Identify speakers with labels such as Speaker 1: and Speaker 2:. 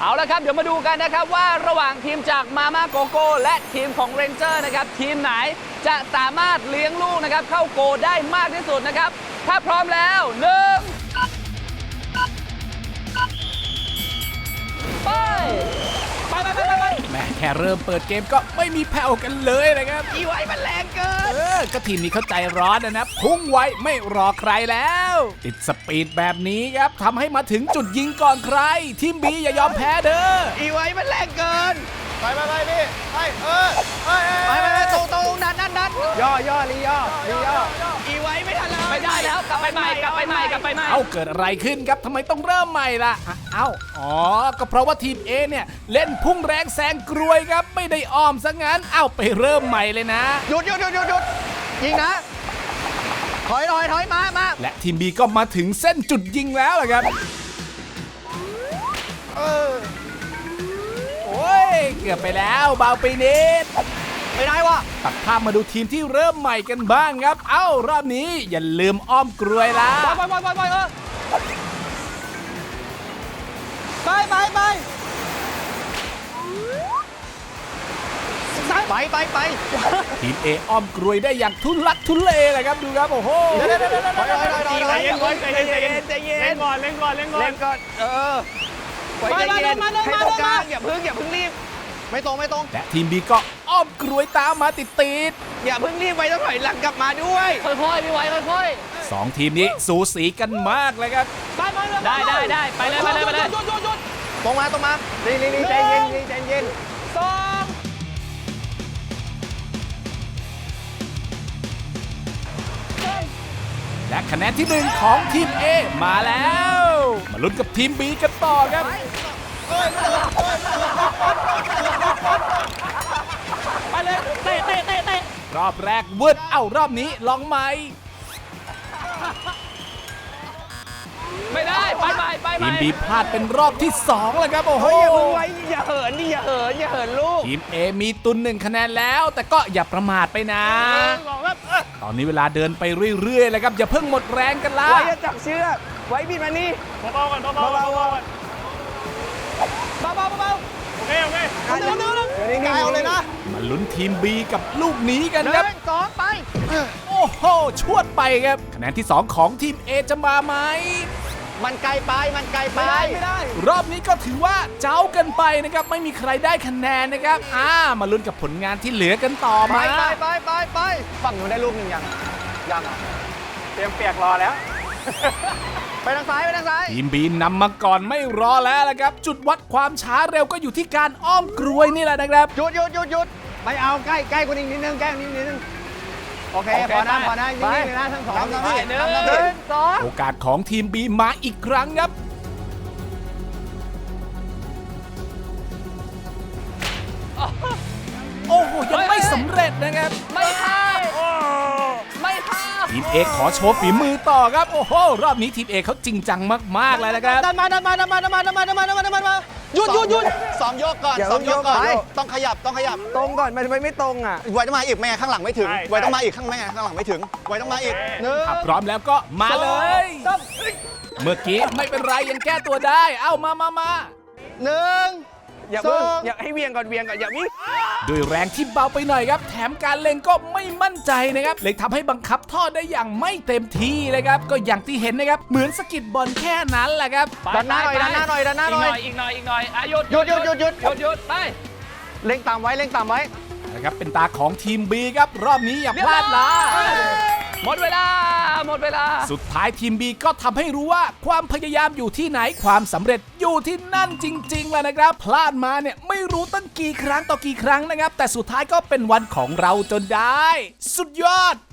Speaker 1: เอาละครับเดี๋ยวมาดูกันนะครับว่าระหว่างทีมจากมาม่าโกโก้และทีมของเรนเจอร์นะครับทีมไหนจะสามารถเลี้ยงลูกนะครับเข้าโกได้มากที่สุดนะครับถ้าพร้อมแล้ว1ไป
Speaker 2: แม่แค่เริ่มเปิดเกมก็ไม่มีแผ่วกันเลยนะครับ
Speaker 1: อีไว้มันแรงเกิน
Speaker 2: ก็ทีมนี้เข้าใจร้อนนะพุ่งไว้ไม่รอใครแล้วติดสปีดแบบนี้ครับทำให้มาถึงจุดยิงก่อนใครทีมบีอย่ายอมแพ้เด้อ
Speaker 1: อีไว้มันแรงเกิน
Speaker 3: ไปพี่ไปตรงนั้นย่อลีย่อ
Speaker 1: อีไว้ไม่ทันแล้วไม่ได้แล้วกลับไปใหม่
Speaker 2: เอ้าเกิดอะไรขึ้นครับทำไมต้องเริ่มใหม่ล่ะอ๋อก็เพราะว่าทีม A เนี่ยเล่นพุ่งแรงแซงกรวยครับไม่ได้อ้อมซะงั้นเอ้าไปเริ่มใหม่เลยนะ
Speaker 3: หยุดยิงนะถอยมา
Speaker 2: และทีม B ก็มาถึงเส้นจุดยิงแล้วล่ะครับโอ้ยเกือบไปแล้วเบาไปนิด
Speaker 3: ไม่ได้วะ
Speaker 2: ตัดภาพมาดูทีมที่เริ่มใหม่กันบ้างครับเอ้ารอบนี้อย่าลืมอ้อมกรวยละ
Speaker 3: ไป
Speaker 2: ทีม A อ้อมกรวยได้อย่างทุลักทุเลเลยครับดูครับโอ้โห
Speaker 3: ใจเย็นเล่นก่อน
Speaker 1: ให้ตรงกลางอย่าเพิ่งรีบ
Speaker 3: ไม่ตรง
Speaker 2: และทีม B ก็อ้อมกรวยตามมาติด
Speaker 1: อย่าเพิ่งรีบไว้ต้องถอยหลังกลับมาด้วยค่อยๆพี่ไว้ค่อย
Speaker 2: ๆ2ทีมนี้สูสีกันมากเลยครับ
Speaker 1: ได้ไปเลย
Speaker 3: ตรงมานี่ใจเย็น
Speaker 2: และคะแนนที่1ของทีม A มาแล้วมาลุ้นกับทีม B กันต่อครับ
Speaker 1: ไปเลยเตะ
Speaker 2: รอบแรกวืดรอบนี้ลองใหม่
Speaker 1: ไม่ได้ไป
Speaker 2: ทีม B พลาดเป็นรอบที่2แล้วครับโอ้โห
Speaker 1: อย่าเหินลูก
Speaker 2: ทีม A มีตุน1คะแนนแล้วแต่ก็อย่าประมาทไปนะตอนนี้เวลาเดินไปเรื่อยๆแล้วครับอย่าเพิ่งหมดแรงกันละ
Speaker 1: ไว้จะจับเชือกไว้บิดมานี่
Speaker 3: เบาๆโอเคกายเอาเลยนะ
Speaker 2: มาลุ้นทีม B กับลูกนี้กันครับ
Speaker 1: 2ไป
Speaker 2: โอ้โหชวดไปครับคะแนนที่2ของทีม A จะมาไหม
Speaker 1: มันไกลไปไม่ได้
Speaker 2: รอบนี้ก็ถือว่าเจ้ากันไปนะครับไม่มีใครได้คะแนนนะครับมาลุ้นกับผลงานที่เหลือกันต่อมา
Speaker 3: ไปฝั่งนู้นได้ลูกหนึ่งยังเตรียมเปียกรอแล้วไปทางซ้าย
Speaker 2: ทีม B นำมาก่อนไม่รอแล้วละครับจุดวัดความช้าเร็วก็อยู่ที่การอ้อมกรวยนี่แหละนะครับ
Speaker 3: หยุดไม่เอาใกล้กว่านี้นิดนึงโอเคพอนะนิ่งๆเลยนะทั้งสอง
Speaker 2: โอกาสของทีม B มาอีกครั้งครับโอ้โหยังไม่สำเร็จนะครับ
Speaker 1: ไม่เข้า
Speaker 2: ทีม A ขอโชว์ฝีมือต่อครับโอ้โหรอบนี้ทีม A เขาจริงจังมากๆเลยนะครับ
Speaker 3: ดันมาหยุดซ้อมโยกก่อนต้องขยับ
Speaker 1: ตรงก่อนมันไม่ตรง
Speaker 3: ไว้ต้องมาอีกแม่ข้างหลังไม่ถึงไว้ต้องมาอีกข้างหลังไม่ถึงไว้ต้องมาอีก
Speaker 2: พร้อมแล้วก็มาเลยเมื่อกี้ไม่เป็นไรยังแก้ตัวได้มา
Speaker 1: อย่าเพิ่งอย่าให้เวียงก่อนอย่าวิ่ง
Speaker 2: ด้วยแรงที่เบาไปหน่อยครับแถมการเล็งก็ไม่มั่นใจนะครับเลยทำให้บังคับทอดได้อย่างไม่เต็มที่เลยครับก็อย่างที่เห็นนะครับเหมือนสกิดบอลแค่นั้นแหละครับ
Speaker 3: ดันหน้าหน่อย
Speaker 1: อีกหน่อยหยุดไป
Speaker 3: เล็งต่ำไว้
Speaker 2: นะครับเป็นตาของทีม B ครับรอบนี้อย่าพลาดละ
Speaker 1: หมดเวลา
Speaker 2: สุดท้ายทีม B ก็ทำให้รู้ว่าความพยายามอยู่ที่ไหนความสำเร็จอยู่ที่นั่นจริงๆแหละนะครับพลาดมาเนี่ยไม่รู้ตั้งกี่ครั้งต่อกี่ครั้งนะครับแต่สุดท้ายก็เป็นวันของเราจนได้สุดยอด